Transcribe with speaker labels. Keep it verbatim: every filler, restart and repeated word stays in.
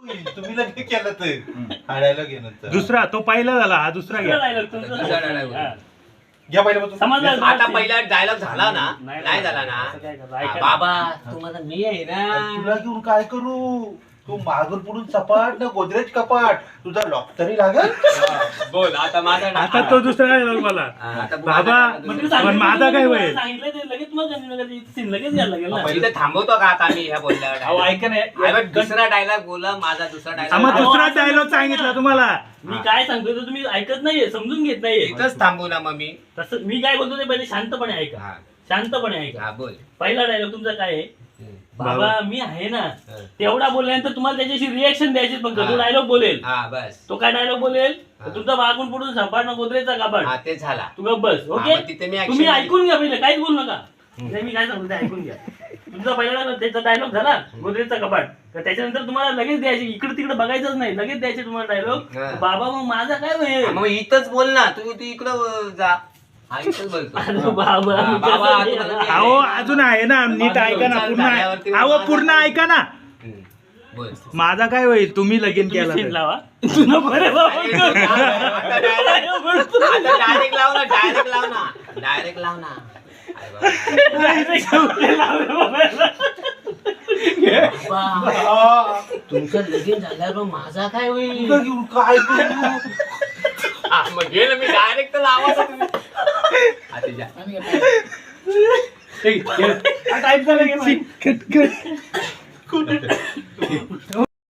Speaker 1: तुम्ही लगे केलं ते हा डायलॉग घे नंतर.
Speaker 2: दुसरा तो पहिला झाला, हा दुसरा घ्या.
Speaker 3: दुसरा dialogue.
Speaker 4: हा.
Speaker 1: घ्या पहिल्या पासून.
Speaker 4: समजलं?
Speaker 3: आता पहिला डायलॉग झाला ना,
Speaker 4: नाही
Speaker 3: नाही झाला ना.
Speaker 4: असं काय करायचं?
Speaker 3: हा,
Speaker 4: ऐका ना.
Speaker 3: बाबा तुम्हाला मी आहे ना.
Speaker 1: तुला घेऊन काय करू? तू मागून पुढून सपाट ना गोदरेज कपाट, तुझा लॉक तरी लागेल.
Speaker 3: हा, बोल आता माझा
Speaker 2: आता तो दुसरा dialogue मला.
Speaker 3: हा, आता
Speaker 2: बाबा,
Speaker 3: माझा-
Speaker 4: मग
Speaker 2: पण
Speaker 4: ते सांगितलं
Speaker 2: माझा
Speaker 4: तुम्ही
Speaker 2: काय
Speaker 4: मला
Speaker 2: होईल?
Speaker 4: सांगितलं ते लगेच मग लगेच सीन लगेच घ्यायला लागेल ना.
Speaker 3: इथे थांबवतो का आता मी ह्या
Speaker 4: अहो
Speaker 3: बोलल्यावर
Speaker 4: ऐका ना
Speaker 3: अरे, दुसरा डायलॉग बोला, माझा दुसरा
Speaker 2: हा, मग
Speaker 3: डायलॉग
Speaker 2: दुसरा
Speaker 4: असं
Speaker 2: डायलॉग
Speaker 4: नसतं
Speaker 2: सांगितला
Speaker 4: ना.
Speaker 2: तुम्हाला.
Speaker 4: मी काय सांगतोय ते तुम्ही ऐकत नाहीये, समजून घेत नाहीये.
Speaker 3: इथंच थांबू ना मग मी.
Speaker 4: तसं मी काय बोलतो ते पहिले शांतपणे ऐका.
Speaker 3: हा,
Speaker 4: शांतपणे ऐका.
Speaker 3: हा, बोल.
Speaker 4: पहिला डायलॉग तुमचा काय आहे? बाबा
Speaker 2: बाबा.
Speaker 4: मी आहे ना.
Speaker 3: हा.
Speaker 4: तेवढा बोलल्यानंतर तुम्हाला त्याच्याशी रिएक्शन द्यायची फक्त. तो
Speaker 3: हा.
Speaker 4: डायलॉग बोलेल.
Speaker 3: हा बस.
Speaker 4: तो काय डायलॉग बोलेल?
Speaker 3: हा.
Speaker 4: तुमचा मागून पुढून सपाट ना गोदरेजचा कपाट.
Speaker 3: हा ते झाला.
Speaker 4: तू गप्प बस.
Speaker 3: हा,
Speaker 4: ओके
Speaker 3: मग तिथे मी action
Speaker 4: तुम्ही
Speaker 3: घेईन.
Speaker 4: ऐकून घ्या पहिले, काहीच बोलू नका. नाही, मी काय सांगतो ते ऐकून घ्या. तुमचा पहिला dialogue, त्याचा डायलॉग झाला गोदरेजचा कपाट, तर त्याच्यानंतर तुम्हाला लगेच द्यायचे, इकडे तिकडे बघायचंच नाही, लगेच द्यायचे तुम्हाला
Speaker 3: हा.
Speaker 4: डायलॉग. बाबा मग माझा काय
Speaker 3: हा,
Speaker 4: होईल?
Speaker 3: मग इथंच बोल ना, तू तू इकडं जा. हा, इथंच बोलतो.
Speaker 4: अरे बाबा
Speaker 3: हा,
Speaker 4: मी
Speaker 3: बाबा,
Speaker 4: कसं
Speaker 3: तुम्हाला
Speaker 4: देणार?
Speaker 3: ते-
Speaker 2: अहो अजून आहे ना, नीट ऐका ना, पूर्ण ऐ- अहो पूर्ण ऐका ना.
Speaker 3: हम्म, बोल.
Speaker 2: माझा काय होईल? तुम्ही लगीन
Speaker 4: तुम्ही
Speaker 2: केला
Speaker 4: scene
Speaker 2: तर.
Speaker 4: लावा. तुला बरं बाबा.
Speaker 3: आता डायरेक्ट लाव ना, डायरेक्ट लाव ना, डायरेक्ट लाव ना. अरे बाबा.
Speaker 4: Direct लावले, लावले बाबा.
Speaker 1: हा,
Speaker 3: तुमचं लगीन झाल्यावर माझा काय होईल?
Speaker 1: तुला घेऊन काय करू?
Speaker 3: हा, मग घे ना, मी डायरेक्ट लावा ना तुम्ही. हा, ते जा.
Speaker 4: टाईप झालं की नाही?
Speaker 2: Cut, cut.